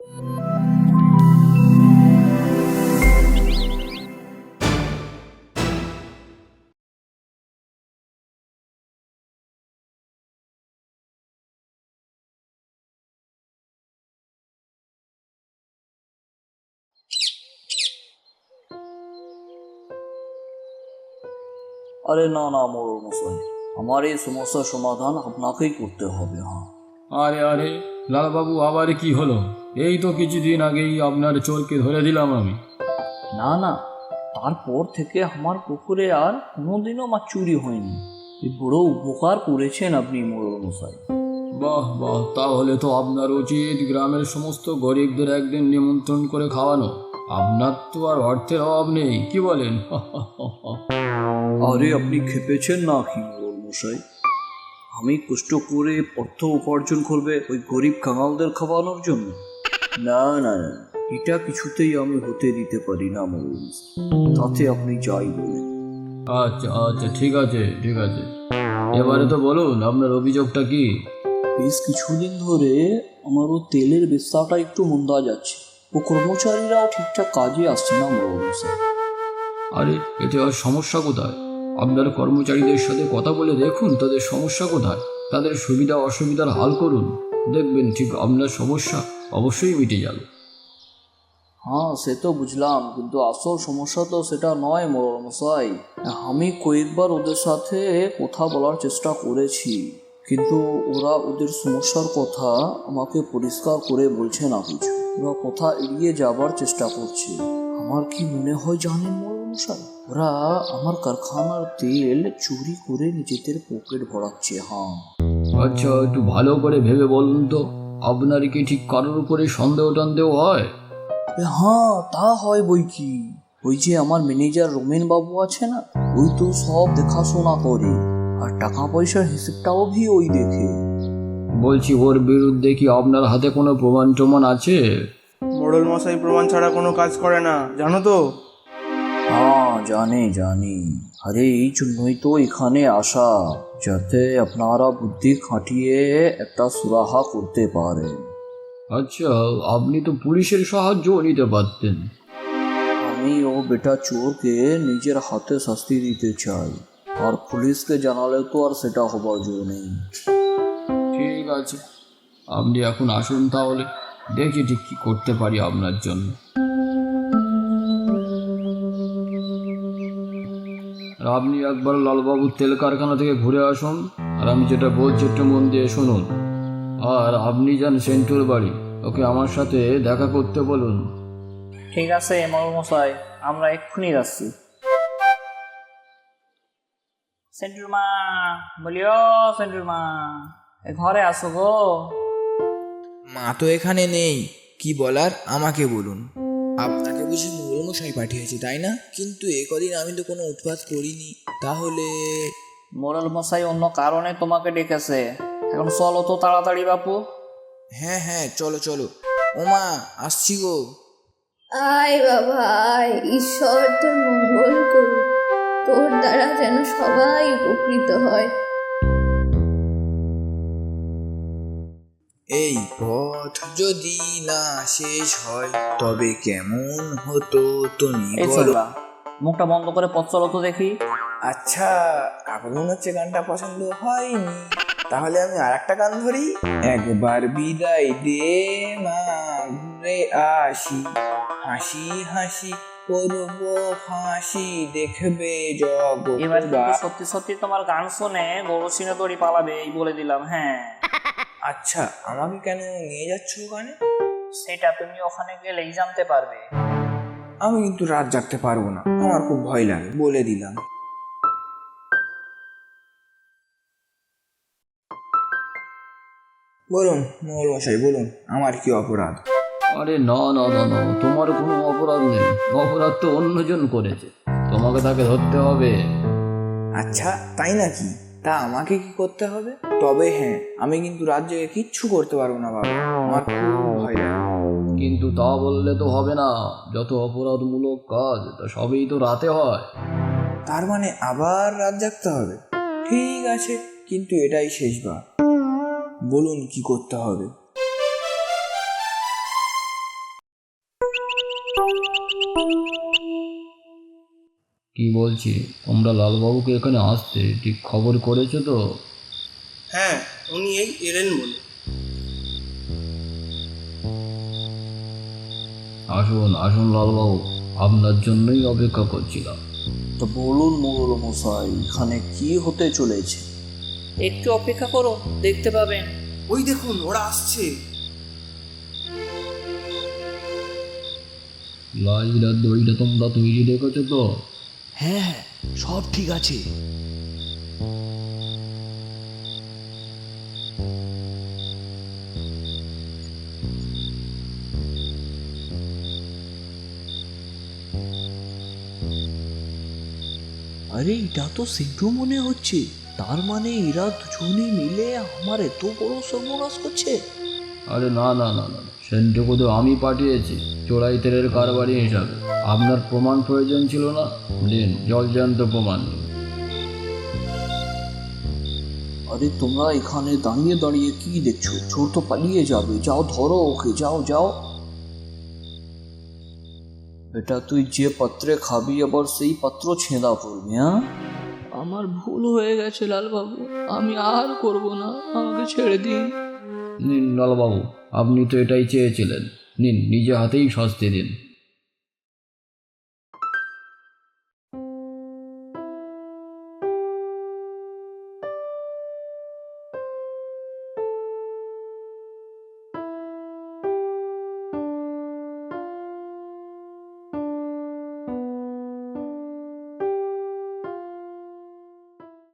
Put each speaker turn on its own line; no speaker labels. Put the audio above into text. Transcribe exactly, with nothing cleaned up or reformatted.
আরে না না মোড়ল মশাই, আমার এই সমস্যার সমাধান আপনাকেই করতে হবে। হ্যাঁ,
আরে আরে লালবাবু, আবার কি হলো? এই তো কিছুদিন আগেই আপনার চোরকে ধরে দিলাম আমি।
না না, তারপর থেকে আমার পুকুরে আর কোনোদিনও মাছ চুরি হয়নি। এই বড় উপকার করেছেন আপনি মোড়ল মশাই।
বাহ বাহ, তাহলে তো আপনার উচিত গ্রামের সমস্ত গরিবদের একদিন নিমন্ত্রণ করে খাওয়ানো। আপনার তো আর অর্থের অভাব নেই, কি বলেন?
আরে আপনি খেপেছেন না কি মোড়ল মশাই? আমি কষ্ট করে অর্থ উপার্জন করবে ওই গরিব কাঙালদের খাওয়ানোর জন্য? না না না, এটা কিছুতেই আমি হতে দিতে পারি না মোড়ল মশাই। তাতে আপনি যাই বলেন।
আচ্ছা আচ্ছা, ঠিক আছে ঠিক আছে, এবারে তো বলুন আপনার অভিযোগটা কি?
বেশ কিছুদিন ধরে আমার ও তেলের ব্যবসাটা একটু মন্দা যাচ্ছে। ও কর্মচারীরাও ঠিকঠাক কাজে আসছে না মোড়ল মশাই।
আরে এতে আর সমস্যা কোথায়? আপনার কর্মচারীদের সাথে কথা বলে দেখুন তাদের সমস্যা কোথায়, তাদের সুবিধা অসুবিধার হাল করুন, দেখবেন ঠিক আপনার সমস্যা অবশ্যই মিটে যাবে।
হ্যাঁ সে তো বুঝলাম, কিন্তু আসল সমস্যা তো সেটা নয় মোড়ল মশাই। আমি কয়েকবার ওদের সাথে কথা বলার চেষ্টা করেছি, কিন্তু ওরা ওদের সমস্যার কথা আমাকে পরিষ্কার করে বলছে না কিছু। ওরা কথা এড়িয়ে যাবার চেষ্টা করছে। আমার কি মনে হয় জানেন মোড়ল মশাই, ওরা আমার কারখানার তেল চুরি করে নিজেদের পকেট ভরাচ্ছে। হ্যাঁ,
আচ্ছা, একটু ভালো করে ভেবে বলুন তো, আপনার কি ঠিক কারোর উপরে সন্দেহ টন্দেহ হয়?
এ হ্যাঁ, তা হয় বই কি। ওই যে আমার ম্যানেজার রমেন বাবু আছে না, ওই তো সব দেখাশোনা করে, আর টাকা পয়সার হিসেবটাও ভি ওই দেখে।
বলছি, ওর বিরুদ্ধে কি আপনার হাতে কোনো প্রমাণ টমাণ আছে?
মোড়ল মশাই প্রমাণ ছাড়া কোনো কাজ করে না, জানো তো?
হ্যাঁ জানি জানি, আরে এই জন্যই তো এখানে আসা, যাতে আপনারা বুদ্ধি খাটিয়ে একটা সুরাহা করতে পারেন।
আচ্ছা, আপনি তো পুলিশের সাহায্যও নিতে পারতেন।
আমি ও বেটা চোরকে নিজের হাতে শাস্তি দিতে চাই, আর পুলিশকে জানালে তো আর সেটা হবার জো নেই।
ঠিক আছে, আপনি এখন আসুন তাহলে, দেখি ঠিক কি করতে পারি আপনার জন্য। আর আপনি একবার লালবাবুর তেল কারখানা থেকে ঘুরে আসুন, আর আমি যেটা বলছি একটু মন দিয়ে শুনুন। আর আপনি যান সেন্টুর বাড়ি, ওকে আমার সাথে দেখা করতে বলুন।
ঠিক আছে মোড়ল মশাই, আমরা এক্ষুনি যাচ্ছি। সেন্টুর মা, বলিও সেন্টুর মা, এ ঘরে আসো গো।
মা তো এখানে নেই, কি বলার আমাকে বলুন। আপনাকে বুঝি মোড়লমশাই পাঠিয়েছে তাই না? কিন্তু এ কদিন আমি তো কোনো উৎপাত করিনি। তাহলে
মোড়ল মশাই অন্য কারণে তোমাকে ডেকেছে। এখন চলো তো তাড়াতাড়ি বাপু।
হ্যাঁ হ্যাঁ, চলো চলো। ও মা, আসছি গো।
আয় বাবা আয়, ঈশ্বর তোর মঙ্গল করুক, তোর দ্বারা যেন সবাই উপকৃত হয়।
এই পথ যদি না শেষ হয় তবে কেমন হতো তুমি
এই
বলো।
চলবা, মুখটা বন্ধ করে পথ চলো তো দেখি।
আচ্ছা, কাকুর মনে হচ্ছে গানটা পছন্দ হয়নি, তাহলে আমি আর একটা গান ধরি। একবার বিদায় দে মা, ঘুরে আসি, হাসি হাসি করব হাসি, দেখবে
এবার
জগৎ।
কিন্তু সত্যি সত্যি তোমার গান শুনে গরু সিনে দড়ি পালাবে, এই বলে দিলাম। হ্যাঁ,
আচ্ছা, আমাকে কেন নিয়ে যাচ্ছ ওখানে?
সেটা তুমি ওখানে গেলেই জানতে পারবে।
আমি কিন্তু রাত জাগতে পারবো না, আমার খুব ভয় লাগে, বলে দিলাম। বলুন মোড়ল মশাই, বলুন আমার কি অপরাধ?
আরে না না না না, তোমার কোনো অপরাধ নেই, অপরাধ তো অন্যজন করেছে, তোমাকে তাকে ধরতে হবে।
আচ্ছা তাই নাকি? তা আমাকে কি করতে হবে? তবে হ্যাঁ, আমি কিন্তু রাত জেগে কিচ্ছু করতে পারবো না বাবা, আমার খুব ভয় লাগে।
কিন্তু তা বললে তো হবে না, যত অপরাধমূলক কাজ তা সবই তো রাতে হয়।
তার মানে আবার রাত জাগতে হবে? ঠিক আছে, কিন্তু এটাই শেষবার, বলুন কি করতে হবে।
কি বলছি, তোমরা লালবাবুকে এখানে আসতে ঠিক খবর করেছো তো?
হ্যাঁ, উনি এই এলেন বলে।
আসুন আসুন লালবাবু, আপনার জন্যই অপেক্ষা করছিলাম।
তো বলুন মোড়ল মশাই, এখানে কি হতে চলেছে?
একটু অপেক্ষা করো, দেখতে পাবেন।
ওই দেখুন, ওরা আসছে।
লাইলা দইটা তোমরা তৈরি রেখেছো তো?
হ্যাঁ হ্যাঁ, সব ঠিক আছে। আরে এটা তো সিদ্ধু মনে হচ্ছে। তার মানে এরা দুজনে মিলে আমার এত বড় সর্বনাশ করছে।
আরে না না না না, সেন্টুকু তো আমি পাঠিয়েছি চোরাই তেলের কারবারি হিসাবে। আপনার প্রমাণ প্রয়োজন ছিল না, দিন জলজান্ত প্রমাণ।
আরে তোমরা এখানে দাঁড়িয়ে দাঁড়িয়ে কি দেখছো? চোর তো পালিয়ে যাবে, যাও ধরো ওকে, যাও যাও। বেটা তুই যে পাত্রে খাবি আবার সেই পাত্র ছেঁদা পড়বে। হ্যাঁ,
আমার ভুল হয়ে গেছে লালবাবু, আমি আর করব না, আমাকে ছেড়ে দিন।
নিন লালবাবু, আপনি তো এটাই চেয়েছিলেন, নিন নিজে হাতেই শাস্তি দিন।